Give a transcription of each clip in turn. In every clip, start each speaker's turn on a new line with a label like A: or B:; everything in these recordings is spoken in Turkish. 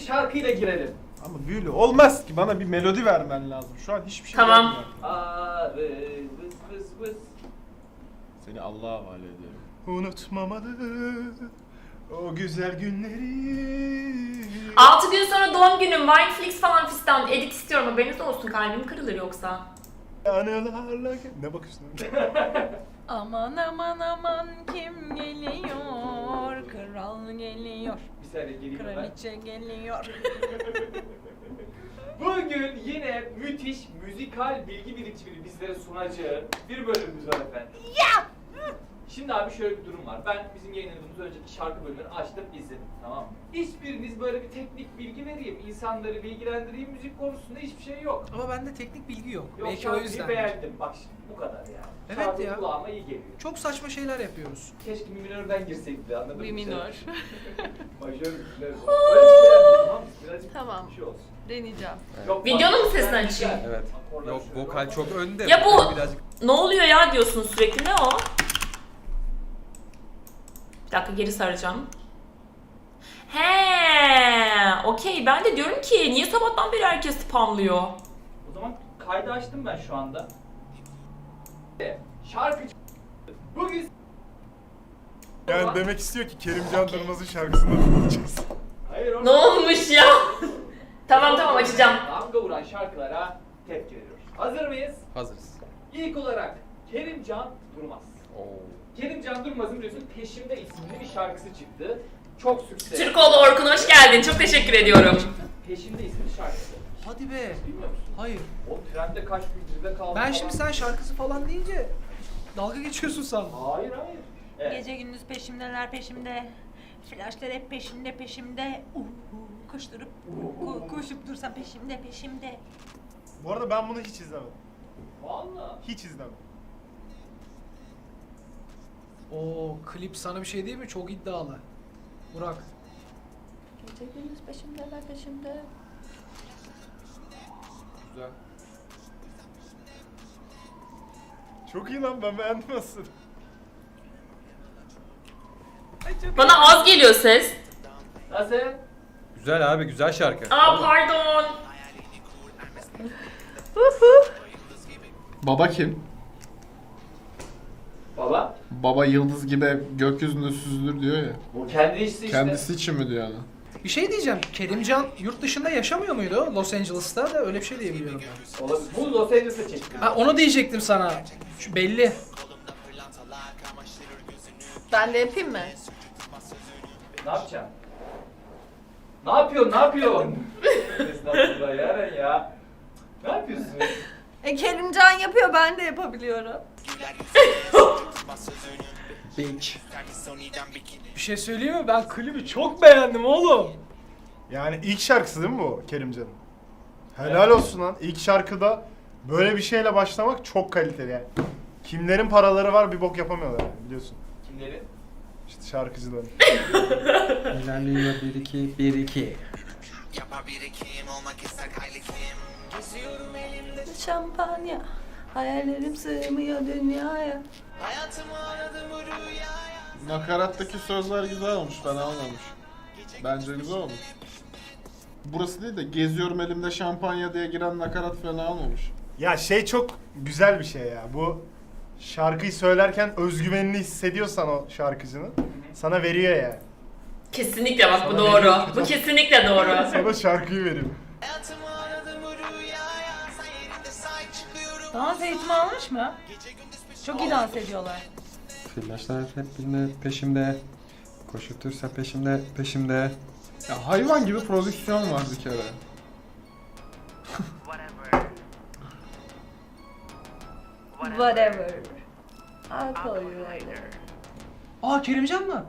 A: şarkıyla girelim.
B: Ama böyle olmaz ki, bana bir melodi vermen lazım. Şu an hiçbir şey
C: Tamam.
B: vermiyor.
A: Arı vız vız vız.
B: Seni Allah'a havale ediyorum.
D: Unutmamalı o güzel günleri.
C: 6 gün sonra doğum günüm. Wineflix falan fistan. Edit istiyorum, haberiniz olsun. Kalbim kırılır yoksa.
D: Anılarla... Ne bakıyorsun?
E: Aman aman aman kim geliyor? Kral geliyor.
A: Bir saniye geleyim ben.
E: Kraliçe geliyor.
A: Bugün yine müthiş müzikal bilgi birikimini bizlere sunacağı bir bölümümüz var efendim. Ya! Şimdi abi şöyle bir durum var. Ben bizim yayınladığımız önceki şarkı bölümünü açtım, izledim. Tamam mı? Hiçbiriniz böyle bir teknik bilgi vereyim, insanları bilgilendireyim müzik konusunda hiçbir şey yok.
F: Ama bende teknik bilgi yok.
A: Yok,
F: Belki o
A: şarkıyı
F: yüzden.
A: beğendim. Bak şimdi bu kadar yani.
F: Evet
A: Şarkı
F: ya.
A: kulağıma iyi geliyor.
F: Çok saçma şeyler yapıyoruz.
A: Keşke mi minörden girseydik de, anladın mı?
E: Bir minör.
A: Majör bir minör. Öyle bir şey yapayım, tamam mı? Birazcık
E: Tamam.
A: bir şey olsun.
E: Deneyeceğim.
A: Yok,
C: Videonun
A: bak,
C: mu sesini
A: ben
C: açayım?
A: güzel.
G: Evet.
A: Akorlar
G: Yok,
A: şöyle
G: vokal
A: bak.
G: çok önde.
C: Ya bu
G: Böyle birazcık...
C: ne oluyor ya diyorsunuz sürekli, ne o? Bir dakika, geri saracağım. He, okey. Ben de diyorum ki niye sabahtan beri herkes spamlıyor?
A: O zaman kaydı açtım ben şu anda. Şarkıcı. Bugün
D: Yani demek istiyor ki Kerimcan Durmaz'ın şarkısını dinleyeceğiz.
A: hayır
C: Ne olmuş ya? Tamam açacağım.
A: Damga vuran şarkılara tepki veriyoruz. Hazır mıyız?
G: Hazırız.
A: İlk olarak Kerimcan Durmaz.
G: Oo.
A: Kerimcan Durmaz'ın biliyorsun Peşimde isimli bir şarkısı çıktı. Çok sükse.
C: Türkoğlu Orkun, hoş geldin. Çok teşekkür ediyorum.
A: Peşimde isimli şarkısı.
F: Hadi be.
A: Bilmiyor musun?
F: Hayır.
A: O trende kaç gündür kaldı
F: Ben
A: falan.
F: şimdi sen şarkısı falan deyince dalga geçiyorsun sandım.
A: Hayır hayır. Evet.
E: Gece gündüz peşimdeler peşimde. Flashlar hep peşimde peşimde. Koşturup koşup dursam peşimde peşimde.
D: Bu arada ben bunu hiç izlemedim.
A: Vallahi.
D: Hiç izlemedim.
F: Oo, klip sana bir şey değil mi? Çok iddialı. Burak.
E: Gece gündüz peşimdeler peşimde.
G: Güzel.
D: Çok iyi lan, ben beğendim aslında.
C: Bana az geliyor ses.
A: Nasıl?
G: Güzel abi, güzel şarkı.
C: Aa pardon.
B: Baba kim?
A: Baba.
B: Baba yıldız gibi gökyüzünde süzülür diyor ya.
A: Bu kendi işi işte.
B: Kendisi için mi diyor yani?
F: Bir şey diyeceğim. Kerimcan yurt dışında yaşamıyor muydu? Los Angeles'ta da öyle bir şey diyebiliyorum ben.
A: Olabilir. Bu Los Angeles'ta çekti.
F: Ha, onu diyecektim sana. Şu belli.
E: Ben de yapayım mı?
A: Ne yapacaksın? Ne yapıyorsun? Ne yapıyorsun? Estağfurullah Yaren ya. Ne yapıyorsun?
E: Kerimcan yapıyor, ben de yapabiliyorum.
B: Bitch.
F: Bir şey söyleyeyim mi? Ben klibi çok beğendim oğlum.
D: Yani ilk şarkısı değil mi bu Kerimcan'ın? Helal olsun lan. İlk şarkıda böyle bir şeyle başlamak çok kaliteli yani. Kimlerin paraları var bir bok yapamıyorlar yani, biliyorsun.
A: Kimleri?
D: İşte şarkıcıların.
G: İlerliyor 1-2.
E: Şampanya, hayallerim sığmıyor dünyaya.
B: Nakarattaki sözler güzel olmuş, fena olmamış. Bence güzel olmuş. Burası değil de geziyorum elimde şampanya diye giren nakarat fena olmamış.
D: Ya şey çok güzel bir şey ya. Bu şarkıyı söylerken özgüvenini hissediyorsan o şarkıcının sana veriyor yani.
C: Kesinlikle bak bu
D: Sana
C: doğru.
D: veriyor.
C: Bu kesinlikle doğru.
D: Sana şarkıyı veriyor.
E: Dans eğitimi almış mı? Çok iyi dans ediyorlar.
G: Flaşlar hep peşimde. Koşutursa peşimde.
B: Ya hayvan gibi prodüksiyon var bir kere.
E: Whatever. I'll call you later.
F: Aa, Kerimcan mı?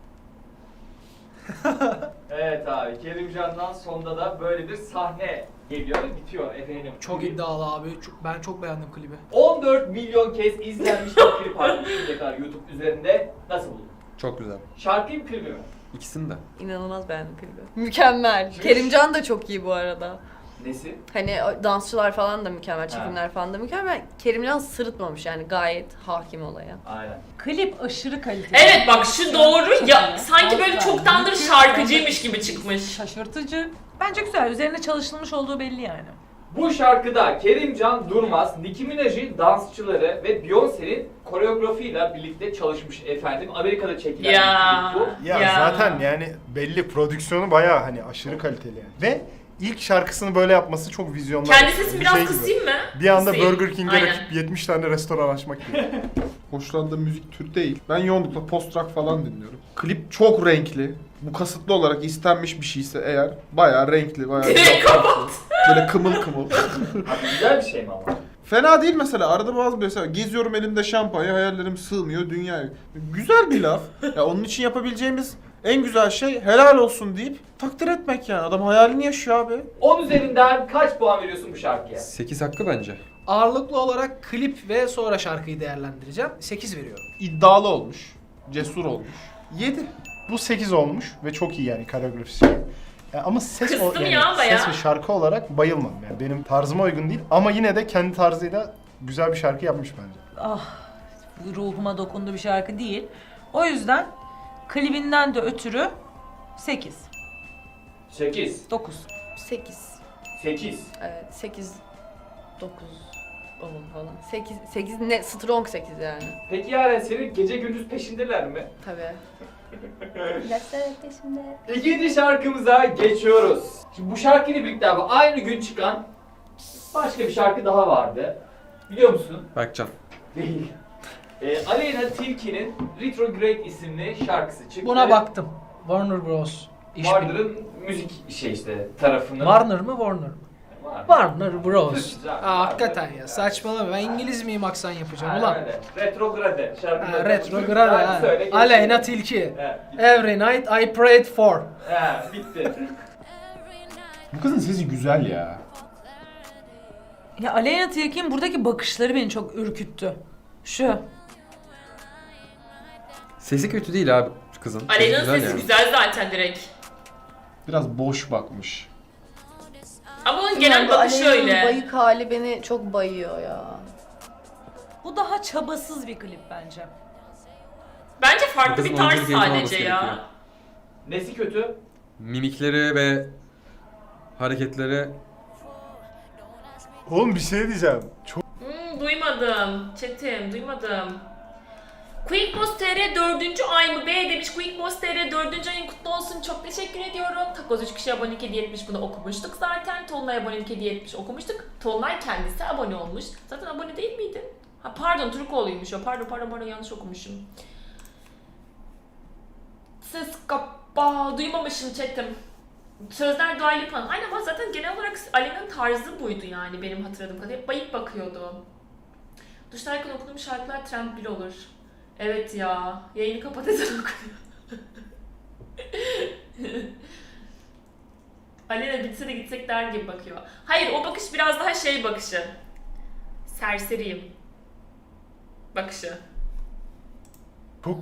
A: Evet abi. Kerimcan'dan sonda da böyle bir sahne geliyor ve bitiyor efendim.
F: Çok iddialı abi. Ben çok beğendim klibi.
A: 14 milyon kez izlenmiş bir klip halinde şimdiye kadar YouTube üzerinde. Nasıl buldun?
G: Çok güzel.
A: Şarkıyı mı klibi mi?
G: İkisini de.
E: İnanılmaz beğendim klibi. Mükemmel. Kerimcan da çok iyi bu arada.
A: Nesi?
E: Hani dansçılar falan da mükemmel, çekimler falan da mükemmel. Kerimcan sırıtmamış yani, gayet hakim olaya.
A: Aynen.
H: Klip aşırı kaliteli.
C: Evet bak şu doğru ya, sanki böyle çoktandır şarkıcıymış gibi çıkmış.
H: Şaşırtıcı.
E: Bence güzel. Üzerine çalışılmış olduğu belli yani.
A: Bu şarkıda Kerimcan Durmaz, Nicki Minaj'ın dansçıları ve Beyoncé'nin koreografiyle birlikte çalışmış efendim. Amerika'da çekilen
C: Ya.
A: bir klip bu.
D: Ya, zaten yani belli prodüksiyonu bayağı hani aşırı kaliteli yani. Ve ilk şarkısını böyle yapması çok vizyonlu.
C: Kendi sesimi
D: Bir
C: biraz
D: şey gibi.
C: kısayım mı?
D: Bir anda
C: Kısayım.
D: Burger King'e
C: Aynen.
D: rakip 70 tane restoran açmak gibi.
B: Hoşlandığım müzik türü değil. Ben yoğunlukla post rock falan dinliyorum. Klip çok renkli. Bu kasıtlı olarak istenmiş bir şeyse eğer bayağı renkli, bayağı
C: Direkt kapat.
B: böyle kımıl kımıl.
A: Abi güzel bir şey mi ama?
B: Fena değil mesela. Arada bazı mesela geziyorum elimde şampanya, hayallerim sığmıyor dünyaya. Güzel bir laf. Ya onun için yapabileceğimiz en güzel şey helal olsun deyip takdir etmek yani. Adam hayalini yaşıyor abi.
A: 10 üzerinden kaç puan veriyorsun bu şarkıya?
G: 8 hakkı bence.
F: Ağırlıklı olarak klip ve sonra şarkıyı değerlendireceğim. 8 veriyorum.
B: İddialı olmuş. Cesur olmuş. 7.
D: Bu 8 olmuş ve çok iyi yani koreografisi. Ama ses
C: Kıstım
D: yani
C: ya bayağı.
D: ses ve şarkı olarak bayılmam yani benim tarzıma uygun değil ama yine de kendi tarzıyla güzel bir şarkı yapmış bence.
E: Ah, ruhuma dokundu bir şarkı değil. O yüzden klibinden de ötürü 8.
A: 8.
E: 9.
H: 8.
A: 8.
H: Evet 8. 9. 10 falan. 8 ne? Strong 8 yani.
A: Peki Yaren senin gece gündüz peşindeler mi?
H: Tabii. Dersler peşimde.
A: İkinci şarkımıza geçiyoruz. Şimdi bu şarkıyla birlikte abi aynı gün çıkan başka bir şarkı daha vardı. Biliyor musun?
G: Berkcan.
A: Değil. Aleyna Tilki'nin Retrograde isimli şarkısı çıktı.
F: Buna baktım. Warner Bros. İş
A: Warner'ın müzik tarafının.
F: Warner mı Warner mı? Warner Bros.
A: Güzel.
F: Hakikaten ya saçmalama, ben İngiliz miyim aksan yapacağım
A: Ha,
F: ulan.
A: öyle. Retrograde şarkı.
F: Retrograde ha. Aleyna Tilki.
A: He,
F: Every night I prayed for.
A: bitti.
B: Bu kızın sesi güzel ya.
E: Ya Aleyna Tilki'nin buradaki bakışları beni çok ürküttü. Şu.
G: Sesi kötü değil abi kızın. Sesi
C: Aleyna'nın sesi
G: yani.
C: güzel zaten direkt.
B: Biraz boş bakmış.
C: Ama onun genel bakışı
H: Aleyna'nın
C: öyle.
H: bayık hali beni çok bayıyor ya.
E: Bu daha çabasız bir klip bence.
C: Bence farklı
G: Kızın
C: bir tarz
G: oyunculuk eğitimi alması
C: sadece
G: gerekiyor.
C: ya.
A: Nesi kötü?
G: Mimikleri ve hareketleri
D: Oğlum bir şey diyeceğim. Çok
C: Duymadım. Çetim, duymadım. QuickBoss TR 4. ay mı be demiş. QuickBoss TR 4. ayın kutlu olsun. Çok teşekkür ediyorum. Takoz 3 kişi abonelik hediye etmiş. Bunu okumuştuk zaten. Tolunay abonelik hediye etmiş. Okumuştuk. Tolunay kendisi abone olmuş. Zaten abone değil miydi? Ha pardon, Türkoğlu'ymuş o. Pardon yanlış okumuşum. Ses kapa. Duymamışım chatim. Sözler Dua Lipa'nın. Aynen ama zaten genel olarak Aleyna'nın tarzı buydu yani benim hatırladığım kadarıyla. Hep bayık bakıyordu. Duşlarken okuduğum şarkılar trend 1 olur. Evet ya. Yayını kapat ezan okuyor. Aleyna bitse de gitsek der gibi bakıyor. Hayır, o bakış biraz daha şey bakışı. Serseriyim. Bakışı.
D: çok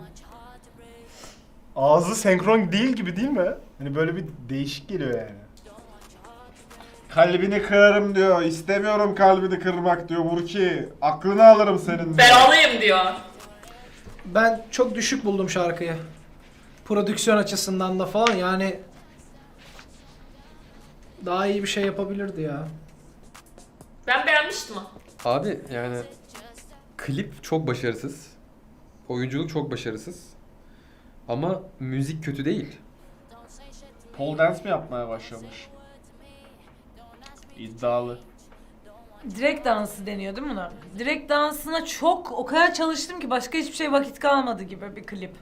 D: ağzı senkron değil gibi değil mi? Hani böyle bir değişik geliyor yani.
B: Kalbini kırarım diyor. İstemiyorum kalbini kırmak diyor Burki. Aklını alırım senin diyor.
C: Belalıyım diyor.
F: Ben çok düşük buldum şarkıyı. Prodüksiyon açısından da falan yani daha iyi bir şey yapabilirdi ya.
C: Ben beğenmiştim o.
G: abi yani klip çok başarısız. Oyunculuk çok başarısız. Ama müzik kötü değil.
B: Pole dance mi yapmaya başlamış? İddialı.
E: Direkt dansı deniyor değil mi buna? Direkt dansına o kadar çalıştım ki başka hiçbir şey vakit kalmadı gibi bir klip.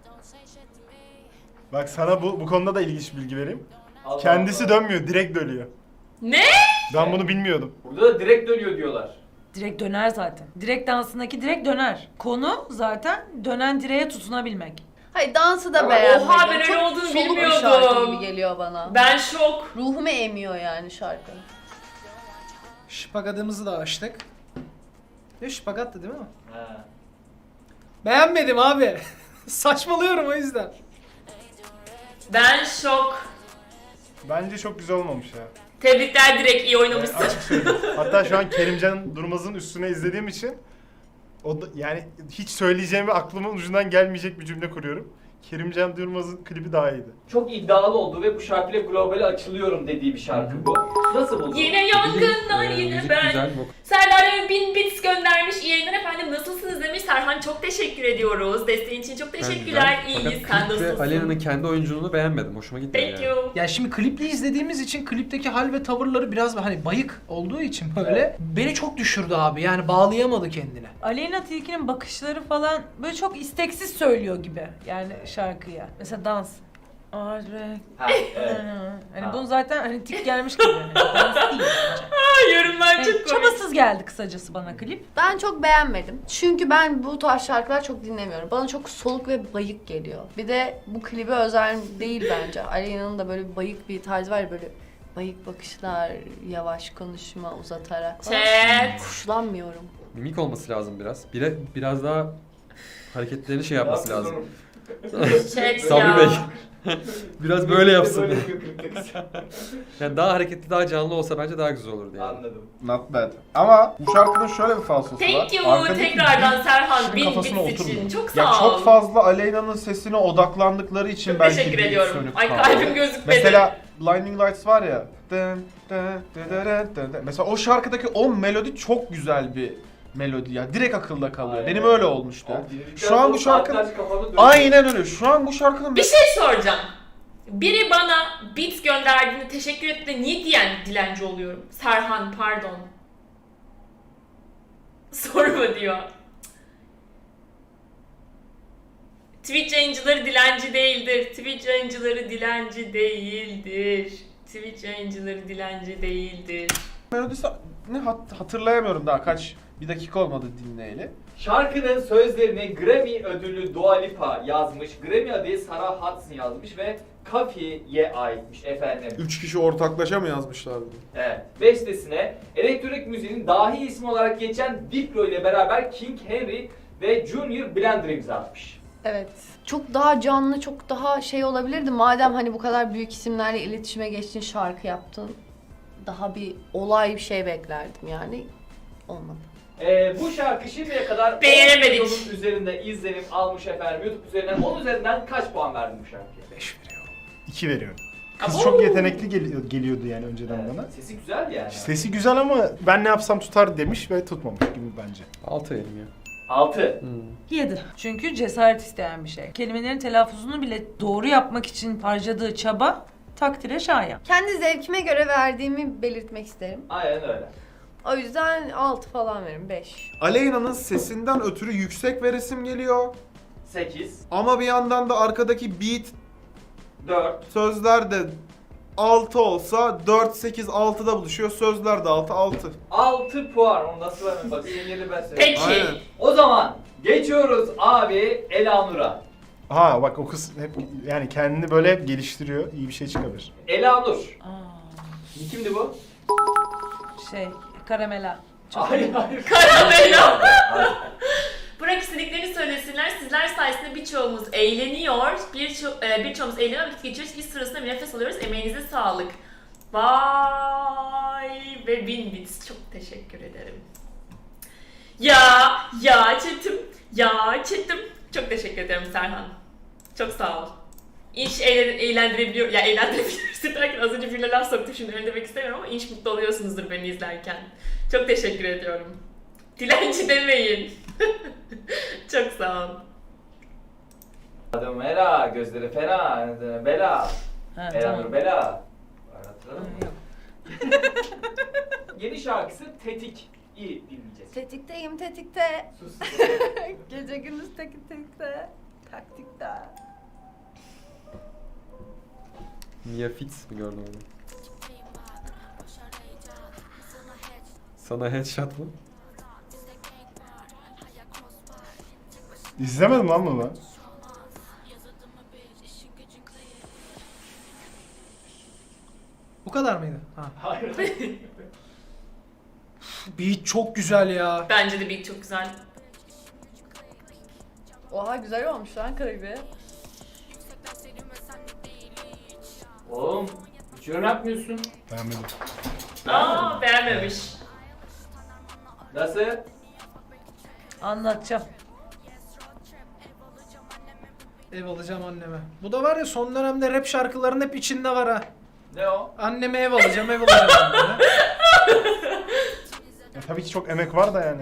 D: Bak sana bu konuda da ilginç bilgi vereyim.
A: Allah
D: Kendisi
A: Allah.
D: dönmüyor, direkt dönüyor.
C: Ne?
D: Ben bunu bilmiyordum.
A: Burada da direkt dönüyor diyorlar.
E: Direkt döner zaten. Direkt dansındaki direkt döner. Konu zaten dönen direğe tutunabilmek.
H: Hayır dansı da
A: Ama
H: beğenmedim.
C: oha, ben öyle
H: Çok
C: olduğunu
H: soluk bir
C: bilmiyordum.
H: şarkı gibi geliyor bana.
C: Ben şok.
H: Ruhumu emiyor yani şarkı.
F: Şpagatımızı da açtık. Ya şpagattı değil mi?
A: Ha.
F: Beğenmedim abi. Saçmalıyorum o yüzden.
C: Ben şok.
D: Bence çok güzel olmamış ya.
C: Tebrikler, direkt iyi oynamışsın.
D: Açık söyleyeyim. Hatta şu an Kerimcan Durmaz'ın üstüne izlediğim için yani hiç söyleyeceğimi aklımın ucundan gelmeyecek bir cümle kuruyorum. Kerimcan Durmaz'ın klibi daha iyiydi.
A: Çok iddialı olduğu ve bu şarkıyla globale açılıyorum dediği bir şarkı bu. Nasıl buldun?
C: Yine yangınlar
G: Müzik
C: yine ben.
G: güzel.
C: Serdar 1000 bits göndermiş. İyi yayınlar efendim. Nasılsınız demiş. Serhan çok teşekkür ediyoruz. Desteğin için çok teşekkürler. İyiyiz. Sen
G: Fakat klipte
C: nasılsın?
G: Alena'nın kendi oyunculuğunu beğenmedim. Hoşuma gitmedi
C: Thank
G: yani.
C: you.
F: Ya şimdi klipli izlediğimiz için klipteki hal ve tavırları biraz hani bayık olduğu için böyle beni çok düşürdü abi. Yani bağlayamadı kendine.
E: Aleyna Tilki'nin bakışları falan böyle çok isteksiz söylüyor gibi yani şarkıya. Mesela dans.
A: Ha, evet.
E: Hani
A: Ha.
E: bunu zaten hani tik gelmiş gibi. Yani dans değil bence.
C: Yorumlar
E: Yani
C: çok komik.
E: çabasız geldi kısacası bana klip.
H: Ben çok beğenmedim. Çünkü ben bu tarz şarkılar çok dinlemiyorum. Bana çok soluk ve bayık geliyor. Bir de bu klibe özel değil bence. Aleyna'nın da böyle bir bayık bir tarzı var ya, böyle bayık bakışlar, yavaş konuşma, uzatarak falan.
C: Chat.
H: Hoşlanmıyorum.
G: Mimik olması lazım biraz. Biraz daha hareketlerini şey yapması
A: Ne
G: lazım.
A: yapıyorsun
C: Chat
G: Sabri
C: ya.
G: Bey. Biraz böyle yapsın.
A: Böyle yapıyor klipte.
G: Yani daha hareketli, daha canlı olsa bence daha güzel olurdu yani.
A: Anladım.
B: Not bad. Ama bu şarkının şöyle bir falsosu var.
C: Thank you
B: Arkadaki
C: tekrardan
B: beat
C: Serhan
B: kişinin
C: 1000
B: kafasına
C: bits için.
B: oturmuyor.
C: Çok sağ
B: Ya
C: ol.
B: çok fazla Aleyna'nın sesine odaklandıkları için
C: Çok
B: belki
C: teşekkür
B: beat
C: ediyorum.
B: sönük
C: Ay
B: kaldı.
C: kalbim gözükmedi.
B: Mesela Blinding Lights var ya. Mesela o şarkıdaki o melodi çok güzel bir melodi ya. Direkt akılda kalıyor.
A: Aynen.
B: Benim öyle olmuştu.
A: Abi, dinledikten
B: Şu an bu
A: sonra
B: şarkının
A: saatlerce kafamda dönüyor.
B: aynen öyle. Şu an bu şarkının
C: Bir şey soracağım. Biri bana beats gönderdiğinde teşekkür etti de niye diyen dilenci oluyorum? Serhan pardon. Sorma diyor. Twitch yayıncıları dilenci değildir. Twitch yayıncıları dilenci değildir. Twitch yayıncıları dilenci değildir.
B: melodisi ne hatırlayamıyorum daha bir dakika olmadı dinleyeli.
A: Şarkının sözlerini Grammy ödüllü Dua Lipa yazmış, Grammy adayı Sarah Hudson yazmış ve Kafi'ye aitmiş efendim.
B: 3 kişi ortaklaşa mı yazmışlardı?
A: Evet. Bestesine elektronik müziğin dahi ismi olarak geçen Diplo ile beraber King Henry ve Junior Blender imza atmış.
H: Evet. Çok daha canlı, çok daha şey olabilirdi. Madem hani bu kadar büyük isimlerle iletişime geçtin, şarkı yaptın. Daha bir olay bir şey beklerdim yani. Olmadı.
A: Bu şarkı şimdiye kadar
C: Beğenemedik.
A: 10 milyonun üzerinde izlenim almış efendim. YouTube üzerinden 10 üzerinden kaç puan verdin bu şarkıya?
F: 5 veriyorum.
D: 2 veriyorum. Kız
C: Abo!
D: çok yetenekli geliyordu yani önceden
A: Evet,
D: bana.
A: sesi güzel yani.
D: Sesi güzel ama ben ne yapsam tutar demiş ve tutmamış gibi bence.
G: 6 elim ya.
A: 6.
E: 7. Çünkü cesaret isteyen bir şey. Kelimelerin telaffuzunu bile doğru yapmak için harcadığı çaba takdire şayan.
H: Kendi zevkime göre verdiğimi belirtmek isterim.
A: Aynen öyle.
H: O yüzden 6 falan veririm, 5.
B: Aleyna'nın sesinden ötürü yüksek veresim geliyor.
A: 8.
B: Ama bir yandan da arkadaki beat
A: 4.
B: sözler de 6 olsa 4, 8, 6'da buluşuyor. Sözler de 6, 6.
A: 6 puan. Onu nasıl vermem bak senin yerine ben söyleyeyim.
C: Peki.
B: Aynen.
A: O zaman geçiyoruz abi Elanur'a.
D: Ha bak o kız hep yani kendini böyle hep geliştiriyor. İyi bir şey çıkabilir.
A: Elanur.
E: Aa,
A: Kimdi bu?
E: Karamela. Çok
A: Hayır hayır.
C: Karamela.
A: Hayır.
C: Bırak istediklerini söylesinler. Sizler sayesinde birçoğumuz eğleniyor. Birçoğumuz eğleniyor, vakit geçiriyoruz. Biz sırasında bir nefes alıyoruz. Emeğinize sağlık. Vay ve 1000 bits. Çok teşekkür ederim. Ya Çetim. Çok teşekkür ederim Serhan. Çok sağ ol. İnş eğlendirebiliyor, ya eğlendirebiliyorsun derken az önce birine laf soktum, şimdi öyle demek istemiyorum ama inş mutlu oluyorsunuzdur beni izlerken. Çok teşekkür ediyorum. Dilenci demeyin. Çok sağ ol.
A: Adım Ela, gözleri fena, bela.
E: Ha,
A: Elanur
E: tamam.
A: bela. Hatırladın mı?
E: Yok.
A: Yeni şarkısı Tetik. İyi dinleyeceğiz.
H: Tetikteyim, tetikte.
A: Sus.
H: Gece gündüz tetikte. Taktikte.
G: Mia Fitz mi gördün onu? Sana headshot mı?
D: İzlemedim lan bunu ben.
F: Bu kadar mıydı? Ha.
A: Hayır.
F: Beat çok güzel ya.
C: Bence de beat çok güzel.
H: Oha, güzel olmuş lan klibi.
A: Oğlum hiç yorum yapmıyorsun.
D: Beğenmedim.
C: Aa, beğenmemiş.
A: Nasıl?
E: Anlatacağım.
F: Ev alacağım anneme. Bu da var ya son dönemde rap şarkıların hep içinde var ha.
A: Ne o?
F: Anneme ev alacağım anneme.
D: Ya tabii ki çok emek var da yani.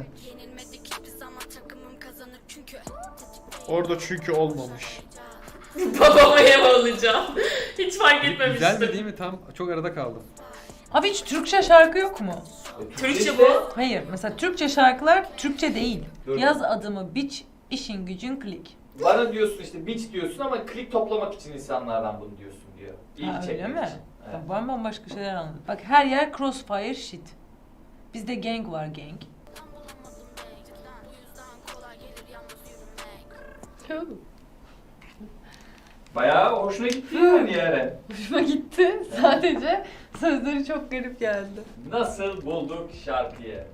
B: Orada çünkü olmamış.
C: Babama ev alacağım. Hiç fark
G: Güzel
C: etmemiştim.
G: mi değil mi? Tam çok arada kaldım.
E: Abi hiç Türkçe şarkı yok mu?
C: Türkçe bu.
E: Hayır, mesela Türkçe şarkılar Türkçe değil.
A: Dur.
E: Yaz adımı biç, işin gücün klik.
A: Bana diyorsun işte bitch diyorsun ama klik toplamak için insanlardan bunu diyorsun diyor. İlgi
E: Ha, öyle
A: çekmek
E: mi?
A: için. Evet.
E: Bak ben bambaşka şeyler anladım. Bak her yer crossfire shit. Bizde gang var gang.
A: Bayağı hoşuna gitti yani Yaren.
H: Hoşuma gitti. Sadece sözleri çok garip geldi.
A: Nasıl bulduk şarkıyı?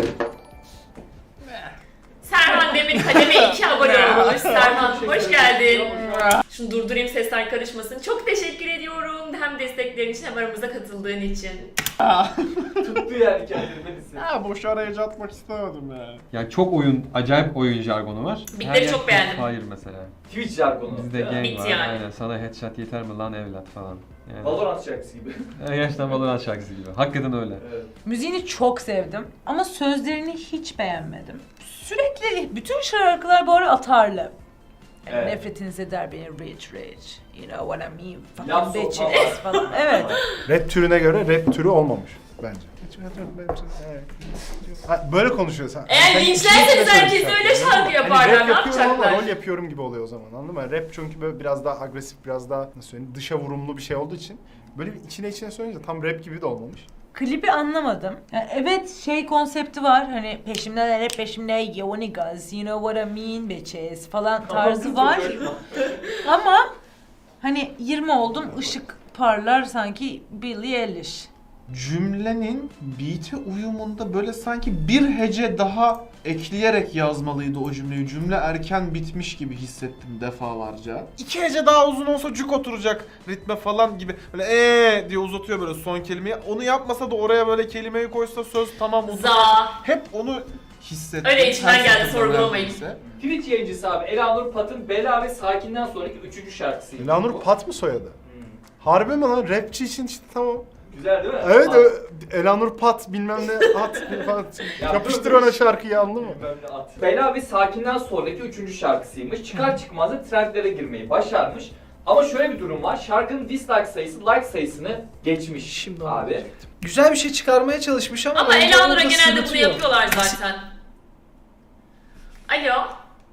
C: Serhan Demir kademe 2 abone olmuş. Serhan hoş geldin. Şunu durdurayım sesler karışmasın. Çok teşekkür ediyorum. Hem desteklerin için hem aramıza katıldığın için.
A: Tuttu yani kendini Melis'i.
B: Ha boş araya atmak istemedim ya.
G: Yani çok acayip oyun jargonu var.
C: Bitleri
G: Her yer
C: çok beğendim.
G: Hayır mesela.
A: Twitch jargonu.
G: Bizde
A: değil mi?
G: gang
C: Bit
G: var.
C: yani.
G: Aynen. Sana headshot yeter mi lan evlat falan. Yani.
A: Valorant şarkısı gibi.
G: Gerçekten Valorant şarkısı gibi. Hakikaten öyle.
A: Evet.
E: Müziğini çok sevdim ama sözlerini hiç beğenmedim. Sürekli bütün şarkılar bu ara atarlı. Yani
A: Evet.
E: nefretiniz eder beni rich. You know what I mean?
A: Laf
E: Fucking
A: sokma
E: bitches
A: var.
E: falan. Evet.
D: Rap türüne göre rap türü olmamış bence. Ha, böyle konuşuyoruz. Ha,
C: Eğer
D: sen
C: linçlerseniz
D: içine
C: herkes
D: söylüyorsun.
C: öyle şarkı yaparlar,
D: Hani rap
C: ne
D: yapıyorum ama
C: yapacaklar?
D: rol yapıyorum gibi oluyor o zaman, anladın mı? Rap çünkü böyle biraz daha agresif, biraz daha nasıl söyleyeyim, dışa vurumlu bir şey olduğu için böyle bir içine söyleyince tam rap gibi de olmamış.
E: Klibi anlamadım. Yani evet şey konsepti var hani peşimden hep peşimde yo niggas you know what I mean bitches falan tarzı var. Ama hani 20 oldum ışık parlar sanki Billie Eilish.
B: Cümlenin beat'e uyumunda böyle sanki bir hece daha ekleyerek yazmalıydı o cümleyi. Cümle erken bitmiş gibi hissettim defalarca. 2 hece daha uzun olsa cuk oturacak ritme falan gibi. Böyle diye uzatıyor böyle son kelimeyi. Onu yapmasa da oraya böyle kelimeyi koysa söz tamam oturuyor.
C: Za.
B: Hep onu hissettim.
C: Öyle içimden
B: Her
C: geldi,
B: seferinde
C: sorgulamayın.
B: neredeyse.
A: Twitch yayıncısı abi Elanur Pat'ın Bela ve Sakin'den sonraki 3. şarkısıydı.
D: Elanur
A: bu.
D: Pat mı soyadı?
A: Hmm.
D: Harbi mi lan? Rapçi için işte tamam.
A: Güzel değil mi?
D: Evet,
A: Pat.
D: Elanur Pat bilmem ne at falan.
A: Ya
D: Yapıştır
A: dur,
D: ona şarkıyı, anladın mı?
A: Bilmem ne at. Bela ve Sakin'den sonraki 3. şarkısıymış. Çıkar çıkmaz da trendlere girmeyi başarmış. Ama şöyle bir durum var. Şarkının dislike sayısı like sayısını geçmiş
F: Şimdi onu
A: abi.
F: diyecektim. Güzel bir şey çıkarmaya çalışmış ama
C: Ama
F: bence
C: Elanur'a
F: orada
C: genelde bunu
F: sırıtıyor.
C: yapıyorlar zaten. Alo.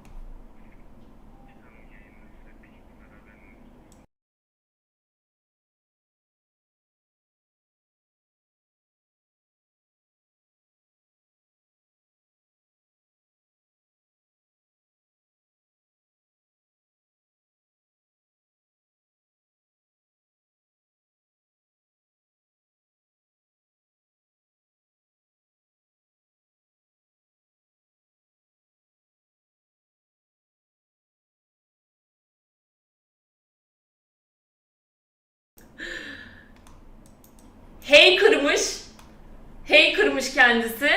C: Hey kırmış kendisi.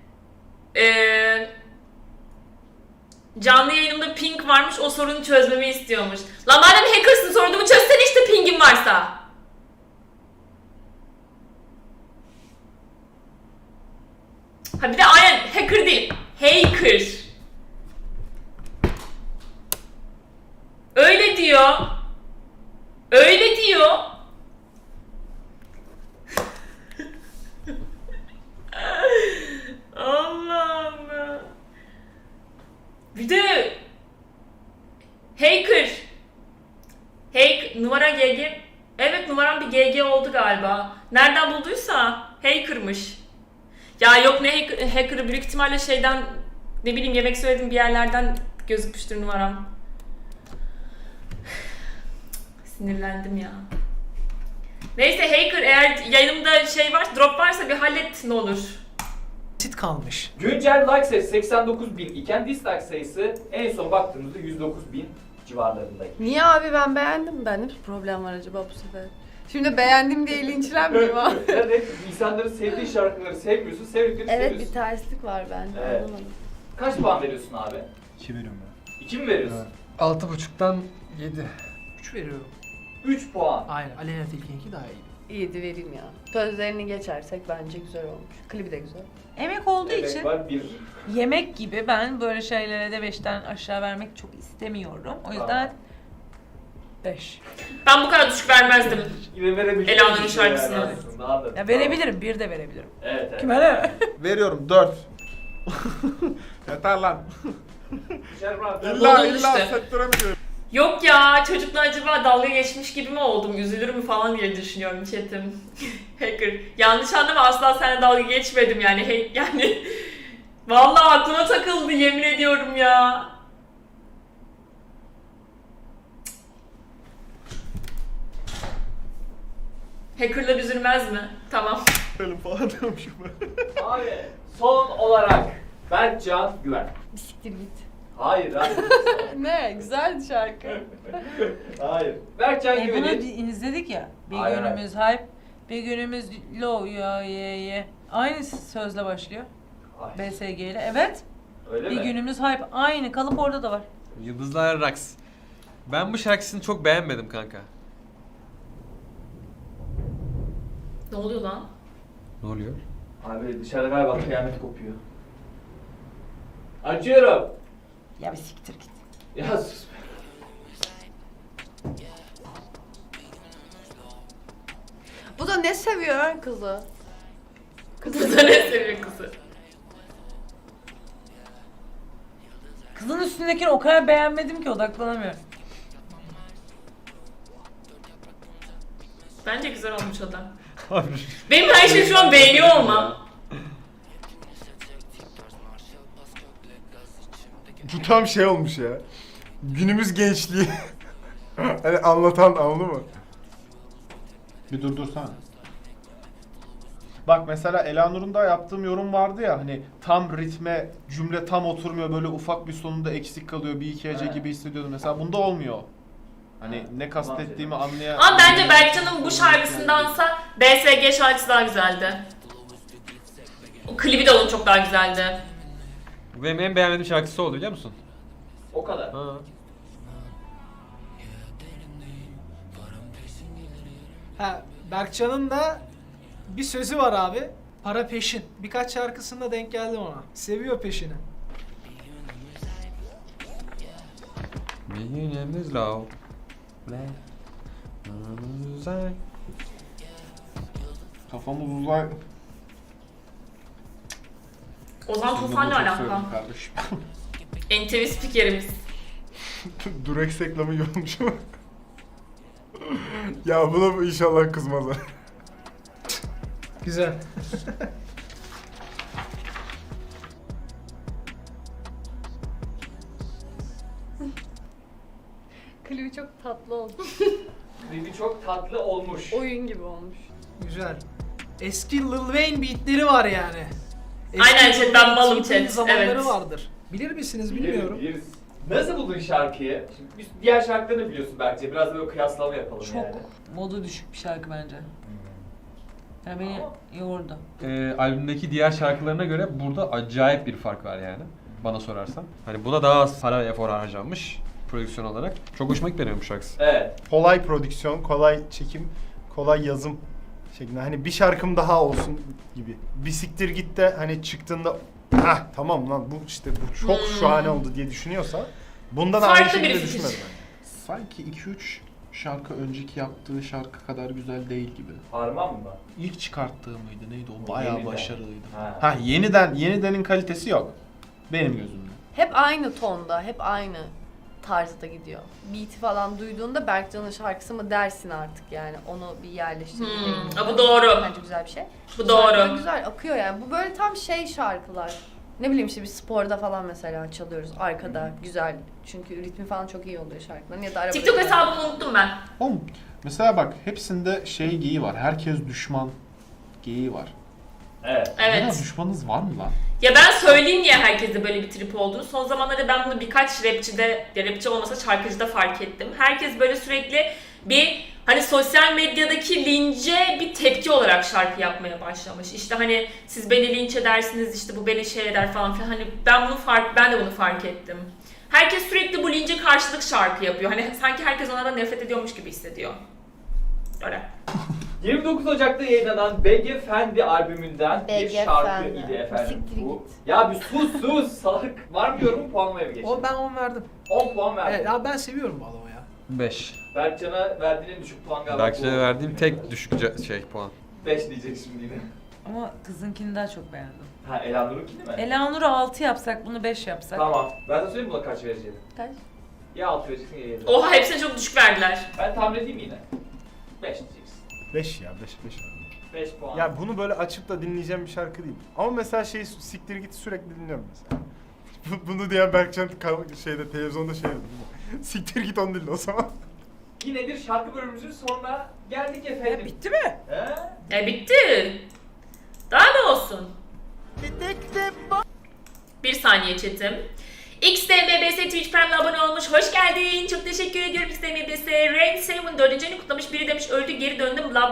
C: Canlı yayınımda ping varmış, o sorunu çözmemi istiyormuş. Lan madem hackersın sorunumu çözsene işte pingin varsa. Ha bir de aynen hacker değil, hacker. Öyle diyor. Öyle diyor. Allah'ım ya. Bir de hacker. Numara GG. Evet numaram bir GG oldu galiba. Nereden bulduysa hackermış. Ya yok ne hacker'ı büyük ihtimalle şeyden ne bileyim yemek söyledim bir yerlerden gözükmüştür numaram. Sinirlendim ya. Neyse hacker eğer yayınımda şey var drop varsa bir hallet ne olur.
F: Basit kalmış.
A: Güncel like sayısı 89.000 iken dislike sayısı en son baktığımızda 109.000 civarlarındaydı.
H: Niye abi, ben beğendim. Bende bir problem var acaba bu sefer? Şimdi beğendim diye linçlenmeyeyim abi.
A: Evet, insanların sevdiği şarkıları sevmiyorsun, sevdikleri
H: Evet, Bir
A: seviyorsun.
H: terslik var bende.
A: Evet.
H: Anlamadım.
A: Kaç puan veriyorsun abi?
D: 2 veriyorum ben.
A: 2 mi veriyorsun?
D: Evet.
G: 6.5'tan 7.
F: 3 veriyorum.
A: 3 puan.
F: Aynen. Aleyna Tilki'ninki daha iyi.
H: 7 vereyim ya. Sözlerini geçersek bence güzel olmuş. Klibi de güzel.
E: Emek olduğu
A: Evet
E: için
A: var 1.
E: yemek gibi ben böyle şeylere de 5'ten aşağı vermek çok istemiyorum. O yüzden 5.
C: Ben bu kadar düşük vermezdim.
A: Yine verebilirim.
C: Elanur'un şarkısını.
E: Ya verebilirim, 1 de verebilirim.
A: Evet evet.
E: Kime ne?
B: Veriyorum 4. Yeter lan.
C: Buldum işte.
B: sektöre mi diyorum?
C: Yok ya, çocukla acaba dalga geçmiş gibi mi oldum, üzülür mü falan diye düşünüyorum chatim. Hacker. Yanlış anlama, asla seninle dalga geçmedim yani. Yani vallahi aklıma takıldı, yemin ediyorum ya. Hackerlar üzülmez mi? Tamam.
B: Benim falan diyormuşum ben.
A: Abi son olarak Berkcan Güven.
H: Bisiktir git.
A: Hayır hayır.
H: Ne? Güzeldi şarkı.
A: Hayır. Berkcan
E: Bunu
A: Güven'in
E: izledik ya. Bir
A: Hayır,
E: günümüz hype, bir günümüz low ya ye. Aynı sözle başlıyor.
A: Ay,
E: BSG ile. Evet.
A: öyle
E: Bir
A: mi?
E: günümüz hype. Aynı kalıp orada da var.
G: Yıldızlar Raks. Ben bu şarkısını çok beğenmedim kanka.
C: Ne oluyor lan?
G: Ne oluyor?
A: Abi dışarıda galiba kıyamet kopuyor. Açıyorum.
E: Ya bir siktir git.
A: Ya sus be.
H: Bu da ne seviyor ha kızı?
C: Kızı da ne seviyor kızı?
E: Kızın üstündekini o kadar beğenmedim ki odaklanamıyorum.
C: Bence güzel olmuş o da. Benim her şeyi şu an beğeniyor olmam.
D: Bu tam şey olmuş ya. Günümüz gençliği. Hani anlatan, anladın mı?
B: Bir durdursana. Bak mesela Elanur'un da yaptığım yorum vardı ya hani tam ritme cümle tam oturmuyor böyle ufak bir sonunda eksik kalıyor bir iki hece
A: Evet.
B: gibi hissediyordum. Mesela bunda olmuyor. Hani ne kastettiğimi anlayan...
C: Ama bence Berkcan'ın bu şarkısındansa BSG şarkısı daha güzeldi. O klibi de onun çok daha güzeldi.
G: Bu benim en beğenmediğim şarkısı oldu biliyor musun?
A: O kadar.
G: Ha.
F: Ha, Berkcan'ın da bir sözü var abi. Para peşin. Birkaç şarkısında denk geldim ona. Seviyor peşini.
G: Bir günümüz low. Uzay.
B: Kafamız uzay...
C: Ozan Tufan'la alakalı.
B: Kardeşim.
C: NTV spikerimiz.
D: Durex reklamı iyi olmuş ama. Ya buna inşallah kızmazlar.
F: Güzel.
H: Klibi çok tatlı oldu.
A: Klibi çok tatlı olmuş.
H: Oyun gibi olmuş.
F: Güzel. Eski Lil Wayne beatleri var yani.
C: Aynen
F: Lil
C: chat, ben
F: Wayne
C: balım
F: T-Pain
C: chat,
F: zamanları
C: evet.
F: vardır. Bilir misiniz bilmiyorum.
A: Biliriz. Nasıl buldun şarkıyı? Şimdi biz diğer şarkılarını biliyorsun belki. Biraz da böyle kıyaslama yapalım
E: Çok
A: yani.
E: modu düşük bir şarkı bence. Ya beni yordu.
G: Albümdeki diğer şarkılarına göre burada acayip bir fark var yani. Bana sorarsan. Hani buna daha az para efor harcanmış prodüksiyon olarak. Çok hoşuma gitti benim bu şarkısı.
A: Evet.
D: Kolay prodüksiyon, kolay çekim, kolay yazım şeklinde. Hani bir şarkım daha olsun gibi. Bisiktir git de hani çıktığında tamam lan bu işte bu çok şahane oldu diye düşünüyorsa bundan da aynı
C: Farklı bir
D: şekilde
C: fikir.
D: düşünmedim.
B: Sanki 2-3 şarkı önceki yaptığı şarkı kadar güzel değil gibi.
A: Harman mı?
B: İlk çıkarttığı mıydı neydi o?
A: O
B: Bayağı
A: yeniden.
B: başarılıydı.
A: Ha.
B: Yenidenin kalitesi yok. Benim gözümde.
H: Hep aynı tonda, hep aynı tarzda gidiyor. Beat'i falan duyduğunda Berkcan'ın şarkısı mı dersin artık yani. Onu bir yerleştirmek.
C: Bu doğru.
H: Bence güzel bir şey.
C: Bu
H: Şarkı da
C: doğru.
H: güzel akıyor yani. Bu böyle tam şey şarkılar. Ne bileyim işte bir sporda falan mesela çalıyoruz arkada güzel. Çünkü ritmi falan çok iyi oluyor şarkıların ya da arabada.
C: TikTok hesabımı unuttum ben.
B: Oğlum mesela bak hepsinde şey geyiği var. Herkes düşman geyiği var.
A: Evet.
C: Evet.
B: Ya düşmanınız var mı lan?
C: Ya ben söyleyeyim niye herkeste böyle bir trip olduğunu. Son zamanlarda ben bunu birkaç rapçide, ya rapçi olmasa şarkıcıda fark ettim. Herkes böyle sürekli bir hani sosyal medyadaki lince bir tepki olarak şarkı yapmaya başlamış. İşte hani siz beni linç edersiniz, işte bu beni şey eder falan filan. Hani ben de bunu fark ettim. Herkes sürekli bu lince karşılık şarkı yapıyor. Hani sanki herkes onlardan nefret ediyormuş gibi hissediyor. Öyle.
A: 29 Ocak'ta yayınlanan BG Fendi albümünden bir
H: BG
A: şarkı
H: Fendi.
A: idi efendim.
H: Siktir
A: Bu. Ya bir sus salak. Var mı yorumun, puanlamaya mı geçelim?
F: Ben 10 verdim.
A: 10 puan verdim.
F: Evet abi ben seviyorum bu adamı ya.
G: 5.
A: Berkcan'a verdiğin en düşük puan galiba.
G: Berkcan'a verdiğim tek düşük puan.
A: 5 diyecek şimdi yine.
E: Ama kızınkini daha çok beğendim.
A: Ha Elanur'unkini mi?
E: Elanur'u 6 yapsak bunu 5 yapsak.
A: Tamam. Ben sana söyleyeyim buna kaç vereceğim.
H: Kaç?
A: Ya 6 vereceksin ya 7.
C: Oha hepsine çok düşük verdiler.
A: Ben tahmin edeyim yine. 5 diyeceksin.
D: 5 ya 5.
A: 5 puan.
D: Ya bunu böyle açıp da dinleyeceğim bir şarkı değil. Ama mesela siktir git sürekli dinliyorum mesela. Bunu diyen Berkcan şeyde televizyonda şey dedi. Siktir git onu dinle o zaman.
A: Yine bir şarkı bölümümüzün sonuna geldik efendim.
E: Bitti mi?
A: He?
C: Bitti. Daha ne olsun? Bir saniye chatim. XDMBS Twitch Prime'la abone olmuş. Hoş geldin. Çok teşekkür ediyorum XDMBS. Rain 7 4. ayını kutlamış. Biri demiş öldü geri döndüm. Bla